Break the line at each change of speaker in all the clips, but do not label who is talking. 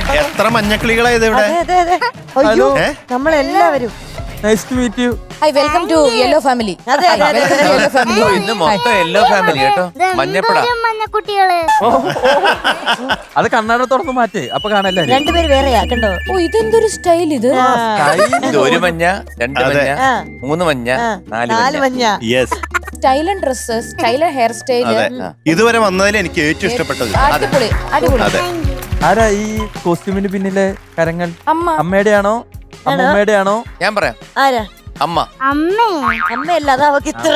എത്ര മഞ്ഞക്കിളികളാ ഇത് ഇവിടെ?
അയ്യോ നമ്മളെല്ലാവരും
nice to meet you.
Hi, welcome to yellow family.
ഇന്ന് മൊത്തം യെല്ലോ ഫാമിലി കേട്ടോ. മഞ്ഞപ്പട
മഞ്ഞക്കുട്ടികള്.
അത് കണ്ണാട തുറന്ന് മാറ്റേ, അപ്പൊ കാണല്ലേ.
രണ്ടുപേര് വേറെയാ കണ്ടോ?
ഓ, ഇതെന്തൊരു സ്റ്റൈൽ ഇത്.
ഇത് ഒരു മഞ്ഞ, രണ്ട് മഞ്ഞ, മൂന്ന് മഞ്ഞ, നാല് മഞ്ഞ.
Yes,
style and dress, style and hair style.
ഇതുവരെ വന്നതിൽ എനിക്ക് ഏറ്റവും ഇഷ്ടപ്പെട്ടത്.
അടിപൊളി അടിപൊളി.
ആരാ ഈ കോസ്റ്റ്യൂമിന് പിന്നിലെ കരങ്ങൾ?
അമ്മ.
അമ്മയുടെ ആണോ അമ്മൂമ്മയുടെ ആണോ?
ഞാൻ പറയാം.
ആരാ?
അമ്മ.
അമ്മയല്ല, അത് അവക്ക് ഇത്ര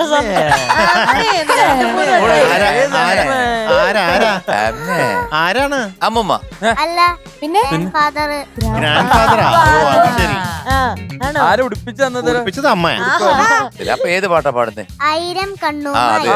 ആരാണ്?
അമ്മൂമ്മ.
അല്ല
പിന്നെ
ഗ്രാൻഡ് ഫാദറാ?
ആരെ ഉടുപ്പിച്ചു തന്നത്?
ഉടുപ്പിച്ചത് അമ്മയാ.
അപ്പൊ ഏത് പാട്ടാ പാടുന്നേ?
1000 കണ്ണു.
അതെ.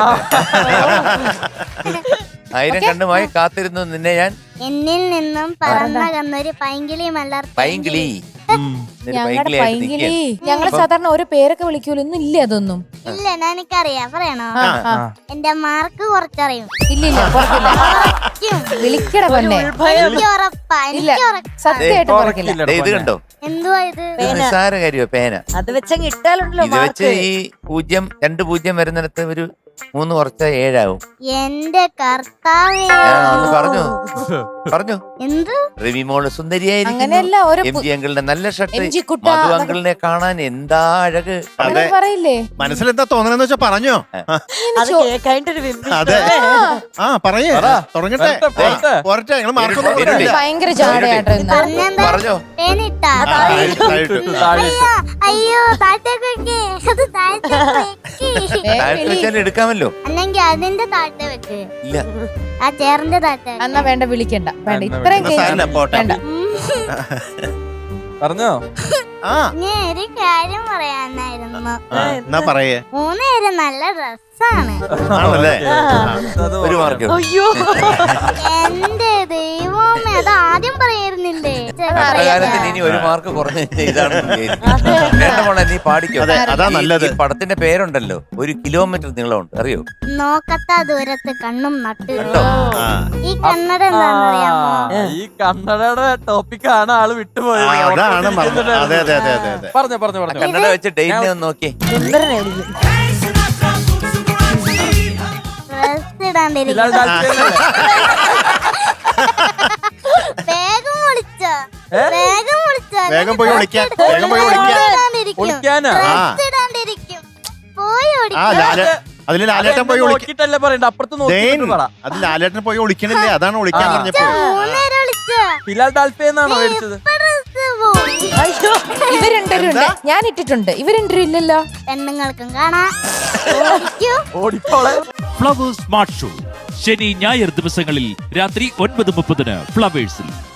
1000 കണ്ണുമായി കാത്തിരുന്നു നിന്നെ ഞാൻ.
എന്നിൽ നിന്നും പറന്നകന്നൊരു പൈങ്കിളി മലർ.
പൈങ്കിളി.
ഞങ്ങളുടെ പൈങ്കിളി. ഞങ്ങള് സാധാരണ ഓരോ പേരൊക്കെ വിളിക്കൂല, ഇന്നും ഇല്ല അതൊന്നും.
ഇല്ല, എനിക്കറിയാം. പറയണോ? എന്റെ മാർക്ക് കുറച്ചറിയും.
ഇല്ലില്ല, വിളിക്കട പൊന്നെ.
എനിക്ക് ഉറപ്പാ, എനിക്ക് ഉറപ്പാ.
സത്യമായിട്ട് പറക്കില്ല.
ഇത് കണ്ടോ?
എന്തുവാ ഇത്?
നിസ്സാര കാര്യോ പേന.
അത് വെച്ചങ്ങ് ഇട്ടാലുണ്ടല്ലോ.
ഇത് വെച്ച് ഈ 0, 2 0 വരുന്നിടത്ത് ഒരു 3 കുറച്ച 7 ആവും.
എന്റെ കർത്താവേ.
പറഞ്ഞു
എന്ത്?
രവി മോള് സുന്ദരിയായിരിക്കും.
അങ്ങനെയല്ല, ഓരോ
എം ജി അങ്കിളിന്റെ നല്ല ഷർട്ട്.
MG കുട്ട
മധു അങ്കിളിനെ കാണാൻ എന്താ അഴക്.
അതെ,
പറയില്ലേ?
മനസ്സിലെന്താ തോന്നണെന്ന് വെച്ചാ പറഞ്ഞോ.
അത് കേൾക്കായിട്ടൊരു
അതെ, പറയേ, തുടങ്ങട്ടെ. പോരട്ടെ, ഞങ്ങള് മാർക്കൊന്നും
ഭയങ്കര ജാടയാട്ടോ ഇന്ന്.
പറഞ്ഞോ.
പേനിട്ടാ? അയ്യോ, താഴത്തേക്ക് വെക്കേ. അത് താഴത്തേക്ക്
വെച്ചാൽ എടുക്കാമല്ലോ.
അല്ലെങ്കിൽ അതിന്റെ താഴത്തെ വെക്ക്.
ഇല്ല,
ആ ചേറിന്റെ താഴത്തെ.
എന്നാ വേണ്ട, വിളിക്കണ്ട, വേണ്ട. ഇത്രയും വേണ്ട.
പറഞ്ഞോ?
ഞാൻ ഒരു കാര്യം പറയാനായിരുന്നു.
എന്നാ പറയേ.
3 പേരും നല്ല ഡ്രസ്സാണ്.
ആണല്ലേ?
ഒരു മാർക്ക്.
അയ്യോ, എന്റെ ദൈവമേ, അത് ആദ്യം പറയായിരുന്നില്ലേ?
കാലത്തിന് ഇനി ഒരു മാർക്ക് കുറഞ്ഞ ഇതാണ്. വേണ്ട മോളെ, നീ പാടിക്കോ.
അതാ നല്ലത്.
ഈ പടത്തിന്റെ പേരുണ്ടല്ലോ, 1 കിലോമീറ്റർ നീളമുണ്ട്, അറിയോ?
നോക്കത്താ ദൂരത്ത് കണ്ണും നട്ട്. ഈ കണ്ണട എന്താണെന്നറിയാമോ?
ഈ കണ്ണടയുടെ ടോപ്പിക്കാണ് ആള് വിട്ടുപോയത്.
അതാണ് അതെ അതെ അതെ അതെ അതെ.
പറഞ്ഞു
കണ്ണട വെച്ച് ഡെയിലി ഒന്ന് നോക്കി.
സുന്ദരനായിരിക്കും. ഡ്രസ് ഇടാണ്ടിരിക്കും. വേഗം വിളിച്ചോ, വേഗം വിളിച്ചോ.
വേഗം പോയി വിളിക്കാൻ, വേഗം പോയി വിളിക്കാൻ.
ഡ്രസ് ഇടാണ്ടിരിക്കും. പോയി
അതില് ലാലേട്ടൻ പോയി
നോക്കിട്ടല്ലേ പറയണ്ട, അപ്പുറത്ത് നോക്കിട്ട്.
അത് ലാലേട്ടൻ പോയി വിളിക്കണില്ലേ, അതാണ് വിളിക്കാൻ പറഞ്ഞപ്പോ.
ബിലാൽ ഡാൽഫേന്നാണോ മേടിച്ചത്?
ഇവരുണ്ടരുണ്ട്, ഞാൻ ഇട്ടിട്ടുണ്ട്. ഇവരുണ്ടരും ഇല്ലല്ലോ.
പെണ്ണുങ്ങൾക്കും കാണാം.
ഓടിപ്പോളെ.
ഫ്ലവേഴ്സ് സ്മാർട്ട് ഷോ ശനി ഞായർ ദിവസങ്ങളിൽ രാത്രി 9:30 ഫ്ലവേഴ്സിൽ.